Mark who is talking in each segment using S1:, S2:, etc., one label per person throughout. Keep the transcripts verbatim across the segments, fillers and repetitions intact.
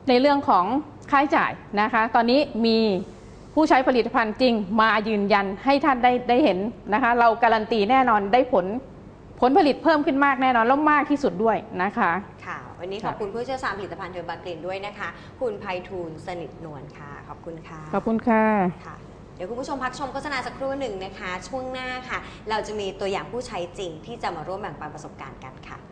S1: ในเรื่องของค่าใช้จ่ายนะคะตอนนี้มีผู้ใช้ผลิตภัณฑ์จริงมายืนยันให้ท่านได้ได้เห็นนะคะเราการันตีแน่นอนได้ผลผลผลิตเพิ่มขึ้นมากแน่นอนแล้วมากที่สุดด้วยนะคะ
S2: ค่ะวันนี้ขอบคุณผู้เชี่ยวชาญผลิตภัณฑ์เทอร์บากรีนด้วยนะคะคุณไพฑูรย์สนิทนวลค่ะขอบคุณค่ะ
S1: ขอบคุณค่ะ
S2: ค่ะเดี๋ยวคุณผู้ชมพักชมโฆษณาสักครู่หนึ่งนะคะช่วงหน้าค่ะเราจะมีตัวอย่างผู้ใช้จริงที่จะมาร่วมแบ่งปันประสบการณ์กันค่ะ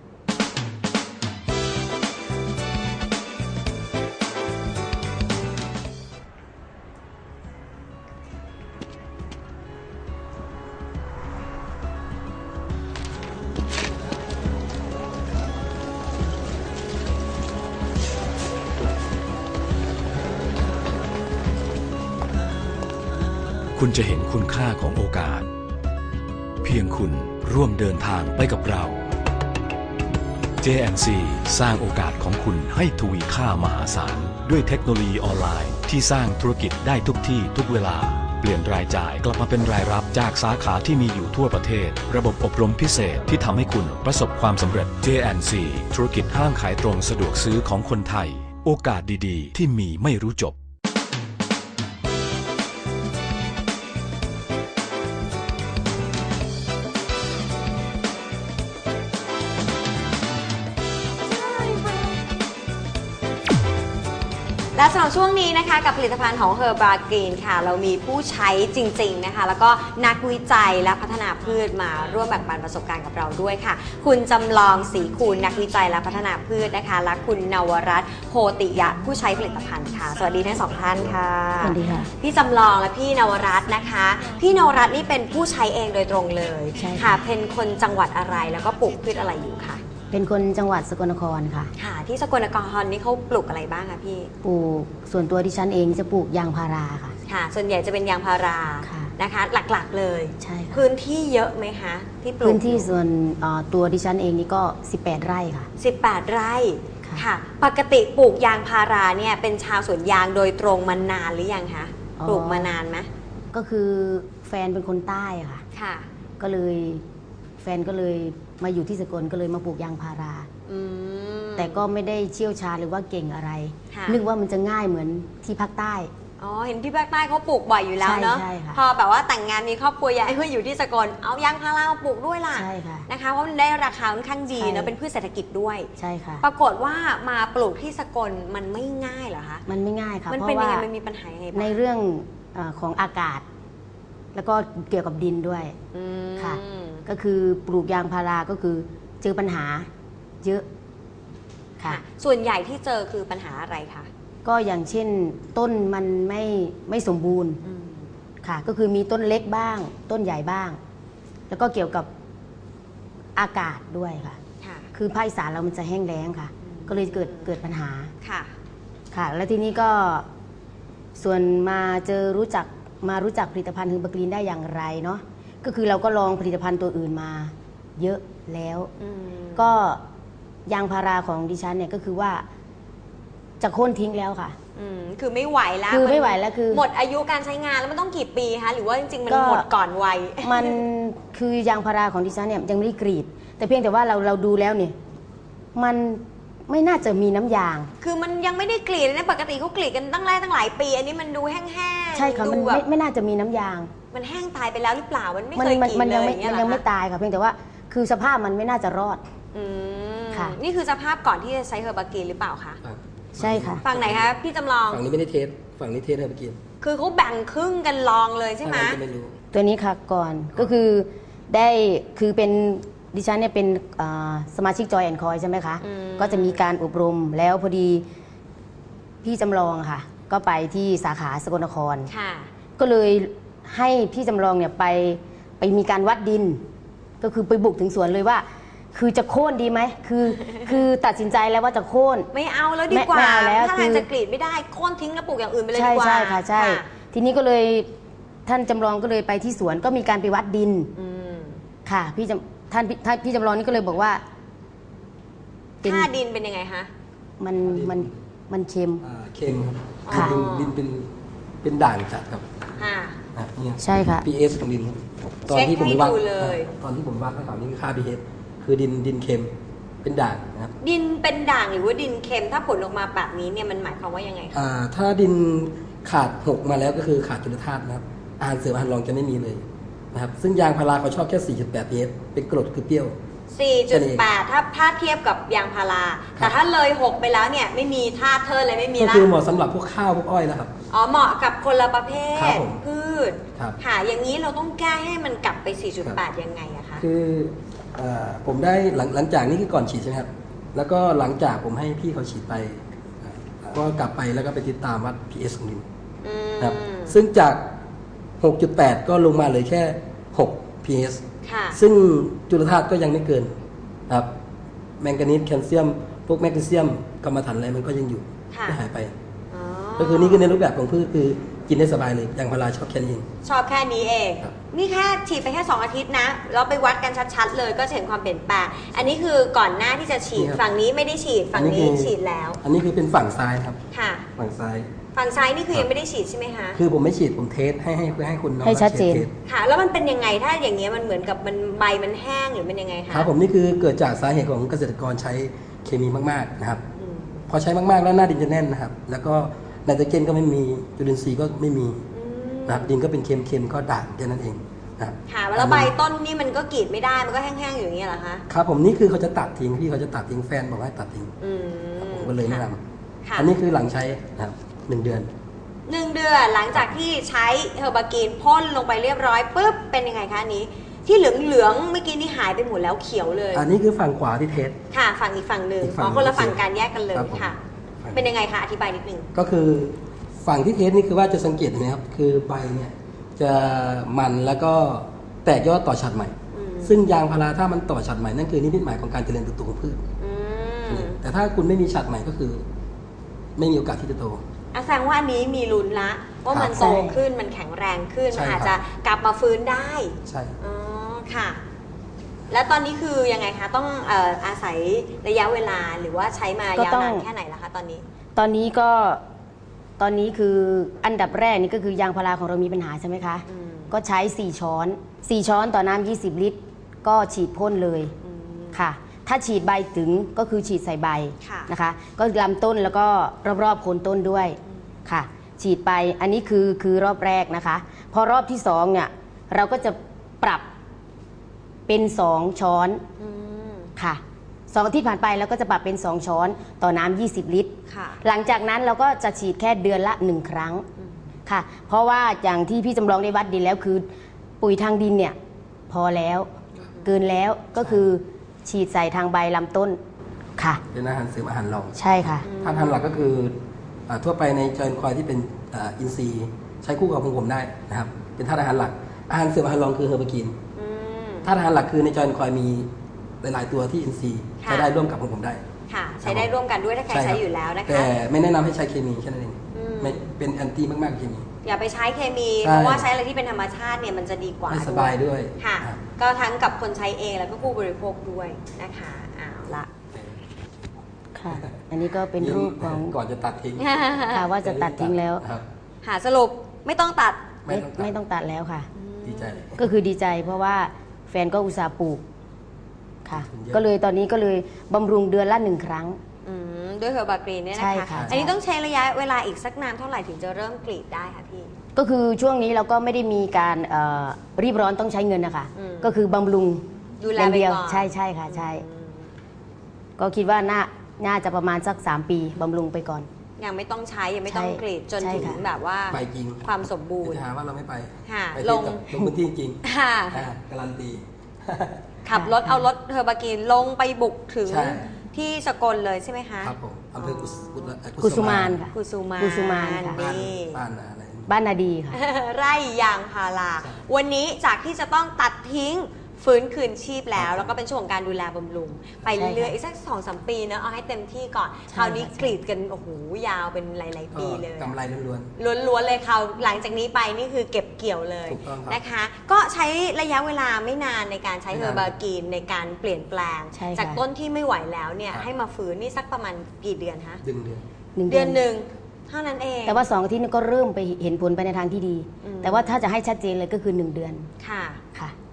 S3: คุณจะเห็นคุณค่าของโอกาสเพียงคุณร่วมเดินทางไปกับเรา เจ แอนด์ ซี สร้างโอกาสของคุณให้ทวีค่ามหาศาลด้วยเทคโนโลยีออนไลน์ที่สร้างธุรกิจได้ทุกที่ทุกเวลาเปลี่ยนรายจ่ายกลับมาเป็นรายรับจากสาขาที่มีอยู่ทั่วประเทศระบบอบรมพิเศษที่ทำให้คุณประสบความสำเร็จ เจ แอนด์ ซี ธุรกิจห้างขายตรงสะดวกซื้อของคนไทยโอกาสดีๆที่มีไม่รู้จบ
S2: และสำหรับช่วงนี้นะคะกับผลิตภัณฑ์ของ Herbageen ค่ะเรามีผู้ใช้จริงๆนะคะแล้วก็นักวิจัยและพัฒนาพืชมาร่วมแบ่งปันประสบการณ์กับเราด้วยค่ะคุณจำลองศรีคูณนักวิจัยและพัฒนาพืชนะคะและคุณนวรัตน์โพติยะผู้ใช้ผลิตภัณฑ์ค่ะสวัสดีทั้งสองท่านค่ะ
S4: สวัสดีค่ะ
S2: พี่จำลองและพี่นวรัตน์นะคะพี่นวรัตน์นี่เป็นผู้ใช้เองโดยตรงเลยค่ะเป็นคนจังหวัดอะไรแล้วก็ปลูกพืชอะไรอยู่คะ
S4: เป็นคนจังหวัดสกลนครค่ะ
S2: ค่ะที่สกลนครนี่เขาปลูกอะไรบ้างคะพี่
S4: ปลูกส่วนตัวดิฉันเองจะปลูกยางพาราค่ะ
S2: ค่ะส่วนใหญ่จะเป็นยางพารานะคะหลักๆเลย
S4: ใช่ค่ะ
S2: พื้นที่เยอะไหมคะที่ปลูก
S4: พื้นที่ส่วนตัวดิฉันเองนี่ก็สิบแปดไร่ค่ะ
S2: สิบแปดไร่ค่ะปกติปลูกยางพาราเนี่ยเป็นชาวสวนยางโดยตรงมานานหรือยังคะปลูกมานานไหม
S4: ก็คือแฟนเป็นคนใต้ค่ะ
S2: ค่ะ
S4: ก็เลยแฟนก็เลยมาอยู่ที่สกลก็เลยมาปลูกยางพาราแต่ก็ไม่ได้เชี่ยวชาญหรือว่าเก่งอะไรนึกว่ามันจะง่ายเหมือนที่ภาคใต้
S2: อ๋อเห็นที่ภาคใต้เขาปลูกบ่อยอยู่แล้วเนาะพอแบบว่าแต่งงานมีครอบครัวย้ายมาอยู่ที่สกลเอายางพารามาปลูกด้วยล่ะ
S4: ใช่ค่ะ
S2: นะคะเพราะมันได้ราคาค่อนข้างดีเนาะเป็นพืชเศรษฐกิจด้วย
S4: ใช่ค่ะ
S2: ปรากฏว่ามาปลูกที่สกลมันไม่ง่ายเหรอคะ
S4: มันไม่ง่ายค่ะ
S2: มันเป็นยังไงมันมีปัญหายังไงบ้าง
S4: ในเรื่องของอากาศแล้วก็เกี่ยวกับดินด้วยค่ะก็คือปลูกยางพาราก็คือเจอปัญหาเยอะ
S2: ค่ะส่วนใหญ่ที่เจอคือปัญหาอะไรคะ
S4: ก็อย่างเช่นต้นมันไม่ไม่สมบูรณ์ค่ะก็คือมีต้นเล็กบ้างต้นใหญ่บ้างแล้วก็เกี่ยวกับอากาศด้วยค่ะคือภาคอีสานเรามันจะแห้งแล้งค่ะก็เลยเกิดเกิดปัญหา
S2: ค่ะ
S4: ค่ะแล้วทีนี้ก็ส่วนมาเจอรู้จักมารู้จักผลิตภัณฑ์Herbageenได้อย่างไรเนาะก็คือเราก็ลองผลิตภัณฑ์ตัวอื่นมาเยอะแล้วก็ยางพาราของดิฉันเนี่ยก็คือว่าจะโค่นทิ้งแล้วค่ะ
S2: คือไม่ไหวแล้ว
S4: คือไม่ไหวแล้วคือ
S2: หมดอายุการใช้งานแล้วมันต้องกี่ปีคะหรือว่าจริงๆมันหมดก่อนวัย
S4: มันคือยางพาราของดิฉันเนี่ยยังไม่ได้กรีดแต่เพียงแต่ว่าเราเราดูแล้วเนี่ยมันไม่น่าจะมีน้ำยาง
S2: คือมันยังไม่ได้กรีดนะปกติเขากรีดกันตั้งหลายตั้งหลายปีอันนี้มันดูแห้งๆ
S4: ใช่ค่ะมันไม่ไม่น่าจะมีน้ำยาง
S2: มันแห้งตายไปแล้วหรือเปล่ามันไม่เคยกรีดเลย
S4: มันยังไม่ตายค่ะเพียงแต่ว่าคือสภาพมันไม่น่าจะรอด
S2: ค่ะนี่คือสภาพก่อนที่จะใช้Herbageenหรือเปล่าคะ
S4: ใช่ค่ะ
S2: ฝั่งไหนคะพี่จำลอง
S5: ฝั่งนี้ไม่ได้เทสฝั่งนี้เทสHerbageen
S2: คือเขาแบ่งครึ่งกันลองเลยใช่ไหม
S4: ตัวนี้ค่ะก่อนก็คือได้คือเป็นดิฉันเนี่ยเป็นสมาชิกจอยแอนด์คอยใช่ไหมคะก็จะมีการอบรมแล้วพอดีพี่จำลองค่ะก็ไปที่สาขาสกลนครก็เลยให้พี่จำลองเนี่ยไปไปมีการวัดดินก็คือไปบุกถึงสวนเลยว่าคือจะโค่นดีไหมคือคือตัดสินใจแล้วว่าจะโค่น
S2: ไม่เอาแล้วดีกว่าถ้าทางจะกรีดไม่ได้โค่นทิ้งแล้วปลูกอย่างอื่นไปเลยดีกว่า
S4: ใช่ใช่ค่ะใช่ทีนี้ก็เลยท่านจำลองก็เลยไปที่สวนก็มีการไปวัดดินค่ะพี่จำท่านพี่จำลองนี่ก็เลยบอกว่า
S2: ค่าดินเป็นยังไงคะ
S4: มันมันมันเค็ม
S5: เค็มครับดินเป็นเป็นด่างจัดครับ
S4: ใช่ค่ะ
S5: พี เอช ของดินตอนที่ผมวัดตอนที่ผมวัดให้เขานี่คือค่า พี เอช คือดินดินเค็มเป็นด่างนะครับ
S2: ดินเป็นด่างหรือว่าดินเค็มถ้าผลออกมาแบบนี้เนี่ยมันหมายความว่ายังไงคะ
S5: อ่าถ้าดินขาดหกมาแล้วก็คือขาดจุลธาตุนะครับอาหารเสริมอาหารรองจะไม่มีเลยนะครับซึ่งยางพาราเขาชอบแค่ สี่จุดแปด พี เอช เป็นกรดคือเปรี้ยว
S2: สี่จุดแปด ถ้าถ้าเทียบกับยางพารา
S5: ครับ
S2: แต่ถ้าเลยหกไปแล้วเนี่ยไม่มีธาตุเทิร์นเลยไม่มี
S5: ก็
S2: ละ
S5: คือเหมาะสำหรับพวกข้าวพวกอ้อยแล้วครับ
S2: อ๋อเหมาะกับคนละประเภ
S5: ครั
S2: ท
S5: บผม
S2: พืช
S5: ครับ
S2: ค่ะอย่างนี้เราต้องแก้ให้มันกลับไป สี่จุดแปด ยังไงอะคะ
S5: คือเอ่อผมได้หลังหลังจากนี้คือก่อนฉีดใช่ไหมครับแล้วก็หลังจากผมให้พี่เขาฉีดไปอ่าก็กลับไปแล้วก็ไปติดตามวัด พี เอช ของดิน
S2: อืม
S5: นะครับซึ่งจาก หกจุดแปด ก็ลงมาเหลยแค่ หก พี เอช
S2: ค่ะ
S5: ซึ่งจุลธาตุก็ยังไม่เกินครับแมงกานีสแคลเซียม พวกแมกนีเซียมกรรมฐานอะไรมันก็ยังอยู่
S2: ค่ะ
S5: ไม่หายไป
S2: อ๋อ
S5: ก็คือนี่คือในรูปแบบของพืชคือกินได้สบายเลยยางพาราชอบแค่นี้เอง
S2: ชอบแค่นี้เอง
S5: ครับ
S2: นี่แค่ฉีดไปแค่สองอาทิตย์นะแล้วไปวัดกันชัดๆเลยก็จะเห็นความเปลี่ยนแปลงอันนี้คือก่อนหน้าที่จะฉีดฝั่งนี้ไม่ได้ฉีดฝั่งนี้ฉีดแล้ว
S5: อันนี้คือเป็นฝั่งซ้ายครับ
S2: ค่ะ
S5: ฝั่งซ้าย
S2: ฝั่งซ้ายนี่คือยังไม่ได้ฉีดใช่ไหมคะ
S5: คือผมไม่ฉีดผมเทสให้ให้เพื่อให้คุณน้อง
S4: ให้ชัดเจน
S5: ทส
S2: ค่ะ แล้วมันเป็นยังไงถ้าอย่างเงี้ยมันเหมือนกับมันใบมันแห้งหรือมันยังไงคะ
S5: ครับผมนี่คือเกิดจากสาเหตุของเกษตรกรใช้เคมีมากๆนะครับ
S2: อืม
S5: พอใช้มากๆแล้วหน้าดินจะแน่นนะครับ แล้วก็ไนโตรเจนก็ไม่มีจุลินทรีย์ก็ไม่มี
S2: อืม
S5: นะครับดินก็เป็นเค็มๆก็ด่างแค่นั้นเองนะครับ
S2: ค่ะแล้วใบต้นนี่มันก็กรีดไม่ได้มันก็แห้งๆอยู่อย่างเงี้ยเหรอคะ
S5: ครับผมนี่คือเขาจะตัดทิ้งพี่เขาจะตัดทิ้งแฟนบอกให้ตัดทิ้ง
S2: อืม
S5: ผมก็เลยแนะน
S2: ค่ะ
S5: ำอันนี้คือหลังใช้นะครับหนึ่งเดือน
S2: หนึ่งเดือนหลังจากที่ใช้เฮอร์บากีนพ่นลงไปเรียบร้อยปุ๊บเป็นยังไงคะอันนี้ ที่เหลืองๆเมื่อกี้นี่หายไปหมดแล้วเขียวเลย
S5: อันนี้คือฝั่งขวาที่เทส
S2: ค่ะฝั่งอีกฝั่งหนึ่ง
S5: อีกฝั่
S2: อ๋
S5: ง
S2: อคนละ
S5: โอเค
S2: ฝั่งการแยกกันเลย
S5: ครับผม
S2: ค่ะ
S5: ฝั่ง
S2: เป็นยังไงคะอธิบายนิดนึง
S5: ก็คือฝั่งที่เทสนี่คือว่าจะสังเกตเห็นไหมครับคือใบเนี่ยจะมันแล้วก็แตกยอดต่อฉัดใหม่
S2: อืม
S5: ซึ่งยางพาราถ้ามันต่อฉัดใหม่นั่นคือนิมิตหมายของการเจริญเติบโตของพืช
S2: อืม
S5: แต่ถ้าคุณไม่มีฉัดใหม่ก็คือ ไม่มีโอกาสที่จะโต
S2: อ่ะแสดงว่าอันนี้มีลุ้นละว่ามัน
S5: ครับ
S2: โตขึ้นมันแข็งแรงขึ้น
S5: ใช่
S2: มันอาจ
S5: ครั
S2: จะ
S5: บ
S2: กลับมาฟื้นได้
S5: ใช่
S2: อ๋อค่ะ แล้วตอนนี้คือยังไงคะต้องเอ่ออาศัยระยะเวลาหรือว่าใช้มา
S4: ก็
S2: ยาว
S4: ต้อง
S2: นานแค่ไหนละคะตอนนี้
S4: ตอนนี้ก็ตอนนี้คืออันดับแรกนี่ก็คือยางพาราของเรามีปัญหาใช่ไหมคะ
S2: อืม
S4: ก็ใช้ สี่ ช้อน สี่ ช้อนต่อน้ำยี่สิบ ลิตร ก็ฉีดพ่นเลย
S2: อืม
S4: ค่ะ ถ้าฉีดใบถึงก็คือฉีดใส่ใบ
S2: ค่ะ
S4: นะคะ ก็ลำต้นแล้วก็รอบๆโคนต้นด้วยค่ะ ฉีดไปอันนี้คือคือรอบแรกนะคะ พอรอบที่สองเนี่ยเราก็จะปรับเป็นสองช้อน
S2: อืม
S4: ค่ะสองอาทิตย์ผ่านไปแล้วก็จะปรับเป็นสองช้อนต่อน้ำยี่สิบ ลิตร
S2: ค่ะ
S4: หลังจากนั้นเราก็จะฉีดแค่เดือนละหนึ่งครั้ง
S2: อืม
S4: ค่ะ เพราะว่าอย่างที่พี่จำลองได้วัดดินแล้วคือ ปุ๋ยทางดินเนี่ยพอแล้วเกินแล้วก็คือฉีดใส่ทางใบลำต้นค่ะ
S5: เป็นอาหารเสริมอาหารรอง
S4: ใช่ค่ะ
S5: ถ้าทานหลักก็คืออ่าทั่วไปในจอยคอยที่เป็นอ่าอินทรีย์ใช้คู่กับของผมได้นะครับ เป็นธาตุอาหารหลัก อาหารเสริมอาหารรองคือเฮอร์บากีน
S2: อืม
S5: ธาตุอาหารหลักคือในจอยคอยมีหลาย ๆ ตัวที่อินทรีย์
S2: ค่ะ
S5: ใช้ได้ร่วมกับของผมได้
S2: ค่ะ ใช้ได้ร่วมกันด้วยถ้าใคร
S5: ช่
S2: ใช้
S5: บ
S2: อยู่แล้วนะคะ
S5: แต่ไม่แนะนำให้ใช้เคมีแค่นั้นเอง
S2: อืม
S5: ไม่เป็นแอนตี้มากๆกับเคมี
S2: อย่าไปใช้เคมี
S5: ใช่
S2: เพราะว่าใช้อะไรที่เป็นธรรมชาติเนี่ยมันจะดีกว่า
S5: ไม่สบายด้วย
S2: ค่ะ
S5: ครับ
S2: ก็ทั้งกับคนใช้เองแล้วก็ผู้บริโภคด้วยนะคะเอาละ
S4: ค่ะ อันนี้ก็เป็นรูปของ
S5: ก่อนจะตัดทิ้ง
S4: ค่ะว่าจะตัดทิ้งแล้ว
S5: ครับ
S2: หาสรุปไม่ต้องตัด
S5: ไม่
S4: ไม่
S5: ต้องตัด
S4: ไม่ต้องตัดแล้วค่ะ
S5: ดีใจ
S4: ก็คือดีใจเพราะว่าแฟนก็อุตส่าห์ปลูกค่ะ
S5: เยอะ
S4: ก็เลยตอนนี้ก็เลยบำรุงเดือนละหนึ่งครั้ง
S2: อืมด้วยเฮอร์บากรีนเนี่ย
S4: ใช่
S2: นะคะ
S4: ค่ะ
S2: อันนี้ต้องใช้ระยะเวลาอีกสักนานเท่าไหร่ถึงจะเริ่มกรีดได้คะพี่
S4: ก็คือช่วงนี้เราก็ไม่ได้มีการเอ่อรีบร้อนต้องใช้เงินนะคะ
S2: อืม
S4: ก็คือบำรุง
S2: ดูแล
S4: อย่าง
S2: ไป
S4: เดียว
S2: ก่อน
S4: ใช่ใช่ค่ะใช่
S2: อืม
S4: ก็คิดว่าน่าน่าจะประมาณสักสามปีบำรุงไปก่อน
S2: ยังไม่ต้องใช้ยังไม่ต้อง
S4: ใช่
S2: กรีดจน
S4: ใช่
S2: ถึง
S4: ค่ะ
S2: แบบว่า
S5: ไปจริง
S2: ความสมบูรณ์
S5: จะหาว่าเราไม่ไป
S2: ค่ะ
S5: ไป
S2: ล
S5: ล
S2: ง
S5: งลงพื้นที่จริง
S2: ค่ะ
S5: อ่าการันตี
S2: ขับรถเอารถเฮอร์บากีนลงไปบุกถึง
S5: ใช่
S2: ที่สกลเลยใช่ไหมคะ
S5: ครับผมอำเภอกุสกุล
S4: กุสุมานค่ะ
S2: กุสุมาน
S4: กุสุมานค่ะ
S5: บ้าน
S2: นี่
S5: บ้านอะไร
S4: บ้านนาดีค่ะ
S2: ไร่ยางพาราวันนี้จากที่จะต้องตัดทิ้งฟื้นคืนชีพแล้ว แล้วก็เป็นช่วงของการดูแลบำรุง ไปเรื่อยๆอีกสักสองสามปีเนอะเอาให้เต็มที่ก่อน
S4: ใช่
S2: คราวนี้
S4: ค่ะ
S2: กรีดกันโอ้โหยาวเป็นหลาย ๆ ปีเลย
S5: กำไรล้วน
S2: ล้วนๆเลยคราวหลังจากนี้ไปนี่คือเก็บเกี่ยวเลย
S5: ถูกต้องครับ
S2: นะคะ ก็ใช้ระยะเวลาไม่นานในการใช้
S5: ไม่
S2: เฮ
S5: นาน
S2: อร์บากีนในการเปลี่ยนแปลง
S4: ใช่ค่ะ
S2: จากต้นที่ไม่ไหวแล้วเนี่ย
S5: ครับ
S2: ให้มาฟื้นนี่สักประมาณกี่เดือนคะ
S5: ๆดึงเดือน
S4: หนึ่ง
S2: เดือนหนึ่งเท่านั้นเอง
S4: แต่ว่าสองอาทิตย์นี้ก็เริ่มไปเห็นผลไปในทางที่ดี
S2: อืม
S4: แต่ว่าถ้าจะให้ชัดเจนเลยก็คือหนึ่งเดือน
S2: ค่ะ
S4: ค่ะ
S2: เอา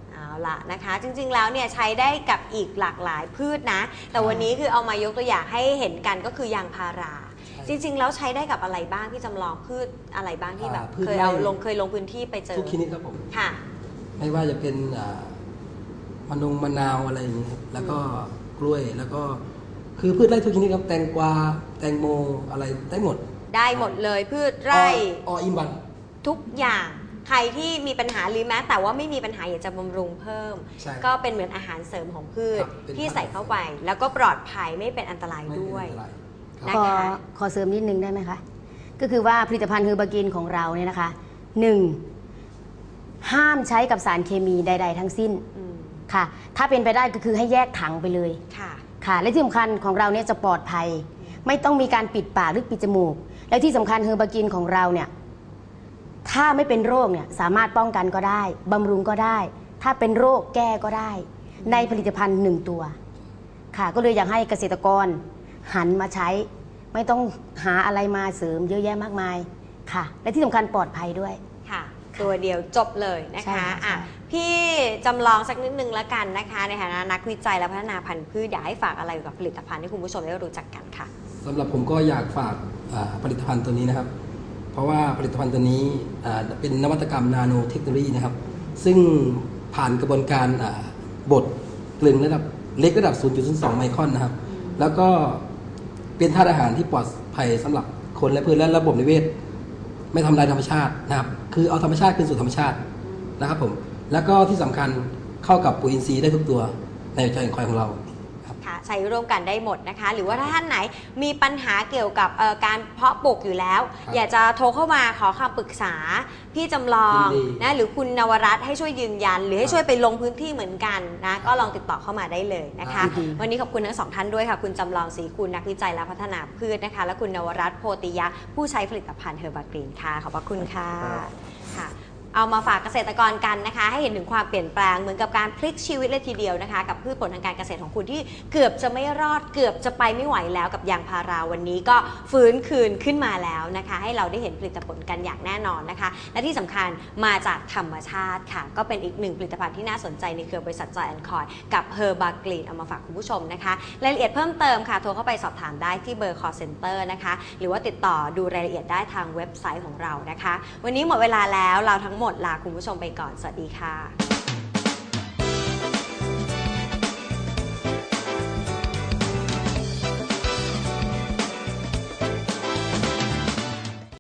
S2: ละนะคะจริงๆแล้วเนี่ยใช้ได้กับอีกหลากหลายพืชนะแต่วันนี้คือเอามายกตัวอย่างให้เห็นกันก็คือยางพาราจริงๆแล้วใช้ได้กับอะไรบ้างพี่จำลองพืชอะไรบ้างที่แบบเคยเอาลงเคยลงพื้นที่ไปเจอ
S5: ทุกชนิดครับผม
S2: ค่ะ
S5: ไม่ว่าจะเป็นมะนงมะนาวอะไรอย่างนี้ครับแล้วก็กล้วยแล้วก็คือพืชไร่ทุกชนิดครับแตงกวาแตงโมอะไรได้หมด
S2: ได้หมดเลยพืชไร่
S5: ออินวัน
S2: ทุกอย่างใครที่มีปัญหาหรือแม้แต่ว่าไม่มีปัญหาอยากจะบำรุงเพิ่มก็เป็นเหมือนอาหารเสริมของพืชที่ใส่เข้าไปแล้วก็ปลอดภัยไม่เป็นอันตรายด้วย
S4: ขอขอเสริมนิดนึงได้ไหมคะก็คือว่าผลิตภัณฑ์เฮอร์บากินของเราเนี่ยนะคะหนึ่งห้ามใช้กับสารเคมีใดๆทั้งสิ้นค่ะถ้าเป็นไปได้ก็คือให้แยกถังไปเลยค่ะค่ะและที่สำคัญของเราเนี่ยจะปลอดภัยไม่ต้องมีการปิดปากหรือปิดจมูกและที่สำคัญเฮอร์บากินของเราเนี่ยถ้าไม่เป็นโรคเนี่ยสามารถป้องกันก็ได้บำรุงก็ได้ถ้าเป็นโรคแก้ก็ได้ในผลิตภัณฑ์หนึ่งตัวค่ะก็เลยอยากให้เกษตรกรหันมาใช้ไม่ต้องหาอะไรมาเสริมเยอะแยะมากมายค่ะและที่สำคัญปลอดภัยด้วย
S2: ค่ะตัวเดียวจบเลยนะคะอ่ะพี่จำลองสักนิดนึงแล้วกันนะคะในฐานะนักวิจัยและพัฒนาพันธุ์พืชอยากให้ฝากอะไรกับผลิตภัณฑ์ที่คุณผู้ชมได้รู้จักกันค่ะ
S5: สำหรับผมก็อยากฝากผลิตภัณฑ์ตัวนี้นะครับเพราะว่าผลิตภัณฑ์ตัวนี้เป็นนวัตกรรมนาโนเทคโนโลยีนะครับซึ่งผ่านกระบวนการบดกลึงระดับเล็กระดับ ศูนย์จุดศูนย์สอง ไมครอนนะครับแล้วก็เป็นธาตุอาหารที่ปลอดภัยสำหรับคนและพืชและระบบนิเวศไม่ทำลายธรรมชาตินะครับคือเอาธรรมชาติคืนสู่ธรรมชาตินะครับผมแล้วก็ที่สำคัญเข้ากับปุ๋ยอินทรีย์ได้ทุกตัวในใจของของเรา
S2: ใช้ร่วมกันได้หมดนะคะหรือว่าถ้าท่านไหนมีปัญหาเกี่ยวกับการเพาะปลูกอยู่แล้วอยากจะโทรเข้ามาขอคำปรึกษาพี่จำลองนะหรือคุณนวรัตน์ให้ช่วยยืนยันหรือให้ช่วยไปลงพื้นที่เหมือนกันนะก็ลองติดต่อเข้ามาได้เลยนะคะวันนี้ขอบคุณทั้งสองท่านด้วยค่ะคุณจำลองศรีคุณนักวิจัยและพัฒนาพืชนะคะและคุณนวรัตน์โพธิยะผู้ใช้ผลิตภัณฑ์เฮอร์บากรีนค่ะขอบพระคุณค่ะค่ะเอามาฝากเกษตรกรกันนะคะให้เห็นถึงความเปลี่ยนแปลงเหมือนกับการพลิกชีวิตเลยทีเดียวนะคะกับพืชผลทางการเกษตรของคุณที่เกือบจะไม่รอดเกือบจะไปไม่ไหวแล้วกับยางพาราวันนี้ก็ฟื้นคืนขึ้นมาแล้วนะคะให้เราได้เห็นผลิตผลกันอย่างแน่นอนนะคะและที่สำคัญมาจากธรรมชาติค่ะก็เป็นอีกหนึ่งผลิตภัณฑ์ที่น่าสนใจในเครือบริษัท Joy แอนด์ Coy กับ Herbaggreen เอามาฝากคุณผู้ชมนะคะรายละเอียดเพิ่มเติมค่ะโทรเข้าไปสอบถามได้ที่เบอร์ call center นะคะหรือว่าติดต่อดูรายละเอียดได้ทางเว็บไซต์ของเรานะคะวันนี้หมดเวลาแล้วเราทั้งหมดลาคุณผู้ชมไปก่อนสวัสดีค่ะ